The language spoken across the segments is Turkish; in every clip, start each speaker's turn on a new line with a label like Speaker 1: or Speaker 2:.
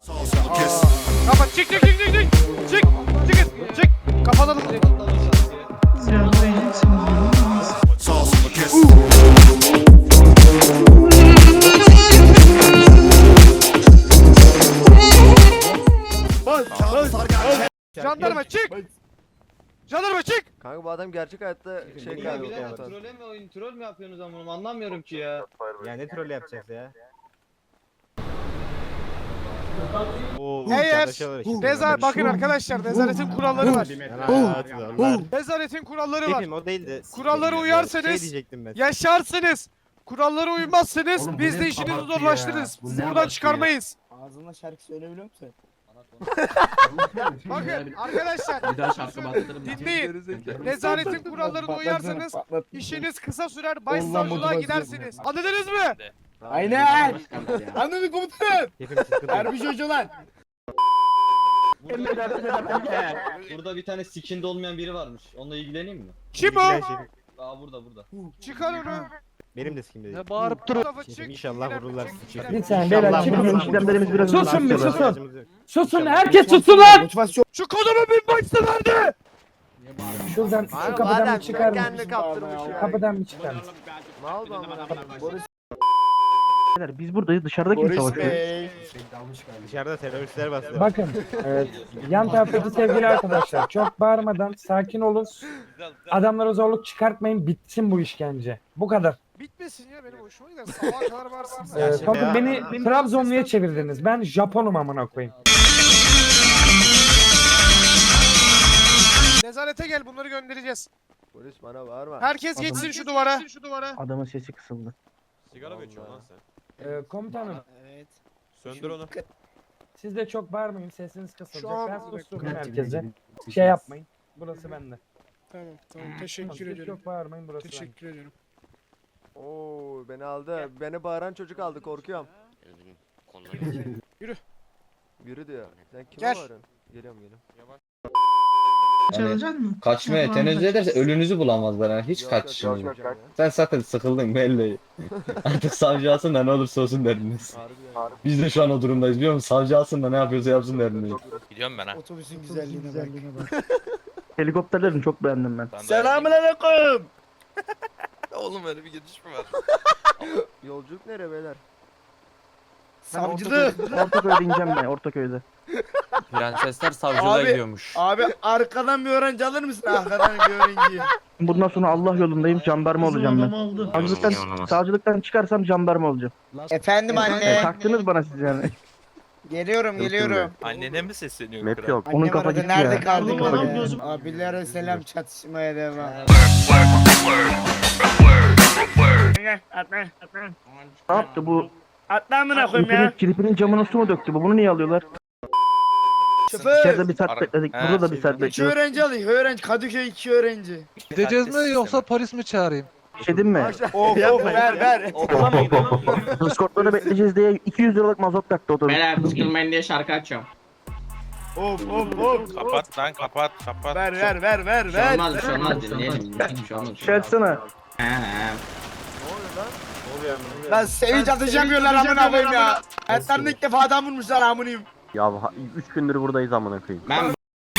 Speaker 1: Kapat çık. Çık. Kapatalım direkt. Jandarma çık. Jandarma çık.
Speaker 2: Kanka bu adam gerçek hayatta şey
Speaker 3: Ya
Speaker 2: kaybı.
Speaker 3: birader troll mi oyun troll mü yapıyorsunuz ama anlamıyorum ki ya.
Speaker 4: Ya ne troll yapacağız ya?
Speaker 1: Eğer bakın arkadaşlar nezaretin kuralları var. Nezaretin kuralları var.
Speaker 4: Şefim o değil de.
Speaker 1: Kurallara
Speaker 4: Şey
Speaker 1: uyarsanız
Speaker 4: diyecektim ben.
Speaker 1: yaşarsınız. Kurallara uymazsanız
Speaker 5: Oğlum, bu
Speaker 1: biz
Speaker 5: ne
Speaker 1: de işinizi
Speaker 5: abartı
Speaker 1: zorlaştırırız.
Speaker 5: ya, bu
Speaker 1: Sizi
Speaker 5: ne
Speaker 1: buradan
Speaker 5: abartı
Speaker 1: çıkarmayız.
Speaker 6: Ağzına şarkı söyleyebiliyor musun?
Speaker 1: Bakın arkadaşlar
Speaker 5: Bir daha şarkı bastırırım.
Speaker 1: dinleyin. Nezaretin kurallarına uyarsanız işiniz kısa sürer, başsavcılığa gidersiniz. Anladınız mı?
Speaker 6: Aynen. Anladın komutanım.
Speaker 4: Şefim sıkıntı yok.
Speaker 6: Harbi çocuğlar.
Speaker 3: Burada bir tane skinde olmayan biri varmış. Onunla ilgileneyim mi?
Speaker 1: Kim o?
Speaker 4: İlgilen şefim.
Speaker 3: Aa burada.
Speaker 1: Çıkar onu.
Speaker 4: Benim de sikimde değil.
Speaker 1: Bağırıp durun.
Speaker 4: Şefim inşallah vururlar sizi şefim.
Speaker 6: Bir saniye beyler çıkın.
Speaker 4: İşlemlerimiz biraz
Speaker 6: Susun bir, susun.
Speaker 4: susun.
Speaker 6: Susun herkes susun lan. Motivasyon.
Speaker 1: Şu kodumu bir başta nerede?
Speaker 6: Şuradan şu
Speaker 2: Abi bu
Speaker 6: kapıdan
Speaker 2: adam
Speaker 6: bir çıkar
Speaker 2: kendini
Speaker 6: mısın?
Speaker 2: kaptırmış ya.
Speaker 6: Kapıdan bir çıkar mısın?
Speaker 2: Mal bu amına koyayım.
Speaker 7: Biz buradayız, dışarıda kim savaşıyor?
Speaker 4: Dışarıda teröristler bastı.
Speaker 6: Bakın yan taraftaki sevgili arkadaşlar çok bağırmadan sakin olun. Adamlara zorluk çıkartmayın, bitsin bu işkence. Bu kadar.
Speaker 1: Bitmesin ya benim hoşuma gider. Sabaha kadar varsın.
Speaker 6: Bakın beni Trabzonlu'ya çevirdiniz. Ben Japonum amına koyayım.
Speaker 1: Nezarete gel bunları göndereceğiz.
Speaker 2: Polis bana bağırma.
Speaker 1: Herkes geçsin şu duvara.
Speaker 7: Adamın sesi kısıldı.
Speaker 4: Sigara mı içiyorsun lan sen?
Speaker 6: Komutanım
Speaker 4: Söndür onu.
Speaker 6: siz de çok bağırmayın, sesiniz
Speaker 1: Şu
Speaker 6: kısılacak.
Speaker 1: an-
Speaker 6: Ben susturdum herkese. Şey yapmayın. Burası bende.
Speaker 1: Tamam
Speaker 6: Siz çok bağırmayın, burası bende.
Speaker 1: ediyorum.
Speaker 2: Oo beni aldı. Beni bağıran çocuk aldı korkuyorum.
Speaker 1: Yürü.
Speaker 2: Yürü diyor. Sen kime
Speaker 1: Gel.
Speaker 2: bağırıyorsun? Geliyorum.
Speaker 3: Hani kaçmaya tenezzül ederse ölünüzü bulamazlar yani hiç kaçışınız yok. Sen zaten sıkıldın belli. Artık savcı alsın da ne olursa olsun derdiniz.
Speaker 2: Harbi ya.
Speaker 3: Biz de şu an o durumdayız biliyor musun? Savcı alsın da ne yapıyorsa yapsın derdiniz.
Speaker 8: Gidiyorum ben ha.
Speaker 6: Otobüsün güzelliğine bak.
Speaker 7: Helikopterlerini çok beğendim ben.
Speaker 6: Selamünaleyküm.
Speaker 8: Oğlum öyle bir gidiş mi var?
Speaker 2: Yolculuk nereye beyler?
Speaker 6: Savcılık.
Speaker 7: Ortaköy'de ineceğim ben, Ortaköy'de.
Speaker 8: Prensesler savcılığa gidiyormuş.
Speaker 6: Abi arkadan bir öğrenci alır mısın? Arkadan bir öğrenci.
Speaker 7: Bundan sonra Allah yolundayım, jandarma olacağım ben. Savcılıktan çıkarsam jandarma olacağım.
Speaker 6: Efendim anne.
Speaker 7: Taktınız bana siz yani.
Speaker 6: Geliyorum.
Speaker 8: Annene mi sesleniyor?
Speaker 7: Map yok. Onun
Speaker 6: Annem
Speaker 7: kafa
Speaker 6: aradı,
Speaker 7: gitti
Speaker 6: nerede
Speaker 7: ya.
Speaker 6: kaldık ya? Abilere selam, çatışmaya devam. Atla.
Speaker 7: Ne yaptı bu?
Speaker 6: Atla amına koyayım ya.
Speaker 7: Kirpinin camına su mu döktü bu? Bunu niye alıyorlar?
Speaker 6: Şoför.
Speaker 7: İçeride bir saat bekledik, burada da bir saat
Speaker 6: İki
Speaker 7: bekliyoruz.
Speaker 6: öğrenci alayım. Öğrenci. Kadıköy 2 öğrenci.
Speaker 8: Gideceğiz mi yoksa polis mi çağırayım?
Speaker 7: Bir şey diyeyim mi?
Speaker 6: Of ver.
Speaker 8: Okula mı gidiyorsun?
Speaker 7: Discord'da bekleyeceğiz diye 200 liralık mazot taktı otobüs.
Speaker 9: Beyler sıkılmayın diye şarkı açıyorum.
Speaker 6: Of.
Speaker 8: Kapat lan kapat.
Speaker 6: Ver.
Speaker 9: Bir şey olmaz bir şey olmaz dinleyelim. Bir şey olmaz.
Speaker 7: Şey açsana.
Speaker 9: He.
Speaker 2: Ne oluyor lan?
Speaker 6: Lan sevinç atacamıyorlar amına koyayım ya. Hayatlarında ilk defa adam vurmuşlar amınıyım.
Speaker 7: Ya 3 gündür buradayız amına koyayım.
Speaker 9: Ben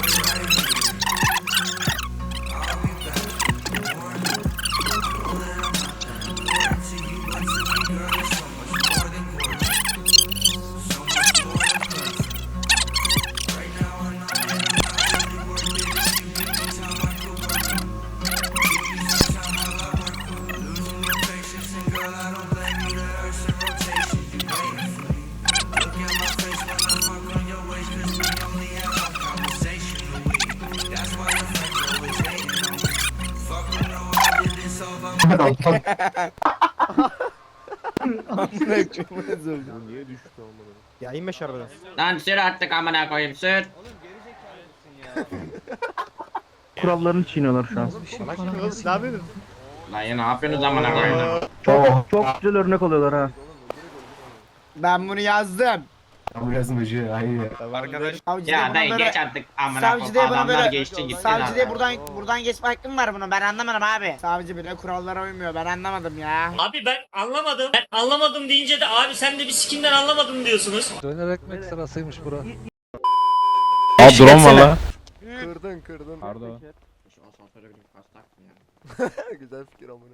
Speaker 2: Niye düştü amına?
Speaker 4: Ya inme şu arabadan.
Speaker 9: lan sür artık amına koyayım sür.
Speaker 3: Oğlum gerizekalı mısın ya?
Speaker 7: Kurallarını çiğniyorlar şu an.
Speaker 4: Salak şimdi oğlum ne yapıyorsun?
Speaker 9: Lan ya ne yapıyorsunuz amına koyayım?
Speaker 7: Çok güzel örnek oluyorlar ha.
Speaker 6: Ben bunu yazdım.
Speaker 8: Arkadaş
Speaker 9: Ya dayı geç artık amına
Speaker 5: Savcı
Speaker 9: koyayım.
Speaker 5: diye buna
Speaker 9: Adamlar
Speaker 5: böyle-
Speaker 9: geçti gitti
Speaker 5: Savcı diye
Speaker 9: lan.
Speaker 5: buradan geçme hakkım var bunun. Ben anlamadım abi. Savcı bile kurallara uymuyor. Ben anlamadım ya.
Speaker 10: Abi ben anlamadım. Ben anlamadım deyince de abi sen de bir sikinden anlamadım diyorsunuz.
Speaker 8: döner ekmek sırasıymış bura.
Speaker 7: Abi drone valla.
Speaker 2: Kırdın.
Speaker 3: Pardon.
Speaker 9: Şu asansöre binip kastak mı ya?
Speaker 2: Güzel fikir amına.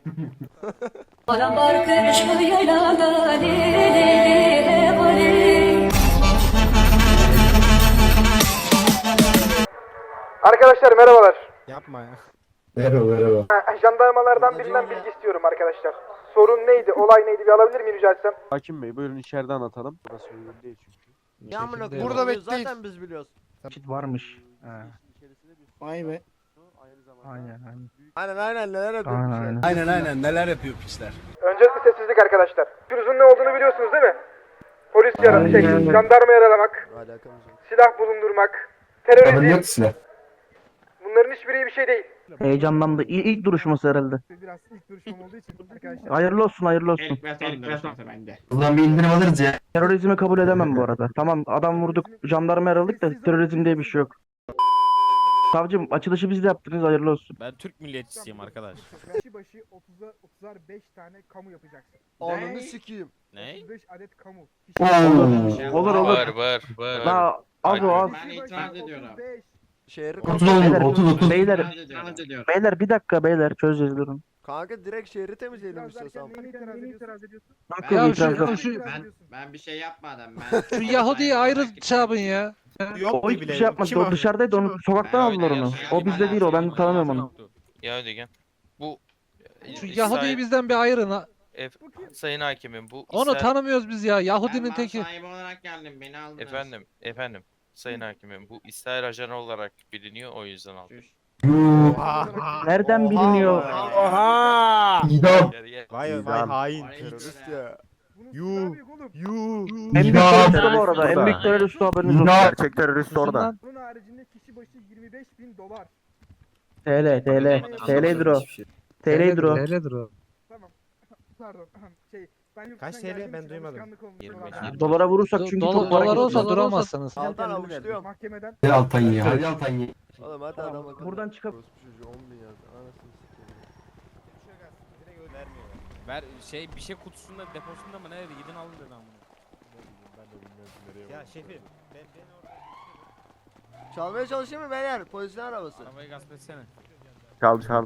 Speaker 1: Arkadaşlar merhabalar.
Speaker 4: Yapma ya.
Speaker 3: Merhaba.
Speaker 1: Jandarmalardan birinden bilgi istiyorum arkadaşlar. Sorun neydi? Olay neydi? Bir alabilir miyim rica etsem?
Speaker 4: Hakim Bey buyurun içeride anlatalım. Burası uygun değil çünkü.
Speaker 2: Ya amına koyayım.
Speaker 1: Burada
Speaker 2: Burada
Speaker 1: bekleyin.
Speaker 2: Zaten biz biliyoruz.
Speaker 7: Çit varmış. Ha.
Speaker 5: Vay be.
Speaker 7: Aynen aynen.
Speaker 2: Aynen neler yapıyormuş
Speaker 7: Aynen
Speaker 2: ya.
Speaker 7: aynen.
Speaker 1: Öncelikle sessizlik arkadaşlar. Pürüzün ne olduğunu biliyorsunuz değil mi? Polis jandarma yaralamak,
Speaker 2: Alakamız yok.
Speaker 1: silah bulundurmak, terörizm. Bunların hiçbiri iyi bir şey değil.
Speaker 7: Heyecanlandı. İlk duruşması herhalde.
Speaker 1: Biraz ilk duruşum olduğu için arkadaşlar.
Speaker 7: Hayırlı olsun hayırlı olsun.
Speaker 9: İlk ve son duruşması bende.
Speaker 7: Terörizmi kabul edemem bu arada. Tamam adam vurduk, jandarma yaraladık da terörizm diye bir şey yok. Savcım açılışı biz de yaptınız hayırlı olsun.
Speaker 4: Ben Türk milliyetçisiyim arkadaş.
Speaker 1: Kişi başı 30'ar 5 tane kamu yapacaksın.
Speaker 2: Ananı sikeyim.
Speaker 4: Ne?
Speaker 1: 35 adet kamu.
Speaker 7: Olur olur.
Speaker 8: Var.
Speaker 7: La az o az.
Speaker 9: Ben itiraz ediyorum.
Speaker 2: Şehri
Speaker 7: Beyler,
Speaker 9: İtiraz ediyorum.
Speaker 7: beyler bir dakika beyler çözeceğiz durun.
Speaker 2: Kanka direkt şehri temizleyelim istiyorsan.
Speaker 1: itiraz ediyorsun?
Speaker 7: Yok
Speaker 8: Ya
Speaker 7: yok itiraz yok.
Speaker 9: Ben bir şey yapmadım.
Speaker 8: Şu Yahudi'yi ayrı çabın ya.
Speaker 7: O hiçbir şey yapmadı. O dışarıdaydı onu sokaktan aldılar onu. O bizde değil o ben tanımıyorum onu.
Speaker 8: Ya Ödegen. Bu
Speaker 11: Şu Yahudi'yi bizden bir ayırın ha.
Speaker 8: Sayın Hakimim bu
Speaker 11: Onu tanımıyoruz biz ya. Yahudinin teki.
Speaker 9: sahibi olarak geldim beni aldınız.
Speaker 8: Efendim Sayın Hakimim bu İsrail ajanı olarak biliniyor o yüzden aldım.
Speaker 7: Nereden biliniyor?
Speaker 5: Oha!
Speaker 4: Vay hain.
Speaker 2: Terörist ya.
Speaker 4: Yuh.
Speaker 7: En büyük terörist bu arada. En büyük terörist haberiniz olsun.
Speaker 4: Gerçek terörist
Speaker 11: orada.
Speaker 1: Bunun haricinde kişi başı 25.000 dolar.
Speaker 7: TL'dir o. TL'dir o.
Speaker 11: Öyledir o.
Speaker 1: Tamam. Pardon. Ben yurt
Speaker 4: Kaç
Speaker 1: dışından
Speaker 4: TL?
Speaker 1: geldiğim
Speaker 4: Ben
Speaker 1: için
Speaker 4: duymadım.
Speaker 1: alışkanlık olmuş
Speaker 8: 25.
Speaker 1: olarak.
Speaker 7: Dolara vurursak çünkü çok para
Speaker 11: Dolar olsa
Speaker 7: gidiyor.
Speaker 11: duramazsınız.
Speaker 2: Altan avuçluyorum.
Speaker 1: Mahkemeden
Speaker 2: Oğlum hadi adam akıllı.
Speaker 7: Buradan çıkıp
Speaker 2: Çocuğu 10 bin yazdı. Anasını sikeyim.
Speaker 4: Ver bir şey kutusunda deposunda mı nerede gidin alın dedi amına. Ya şefim
Speaker 2: Çalmaya çalışıyor mu beyler? Polisin arabası.
Speaker 4: arabayı gasp etsene.
Speaker 7: Çal.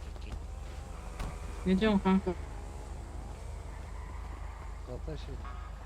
Speaker 9: Ne diyorsun kanka?
Speaker 11: Zaten şey.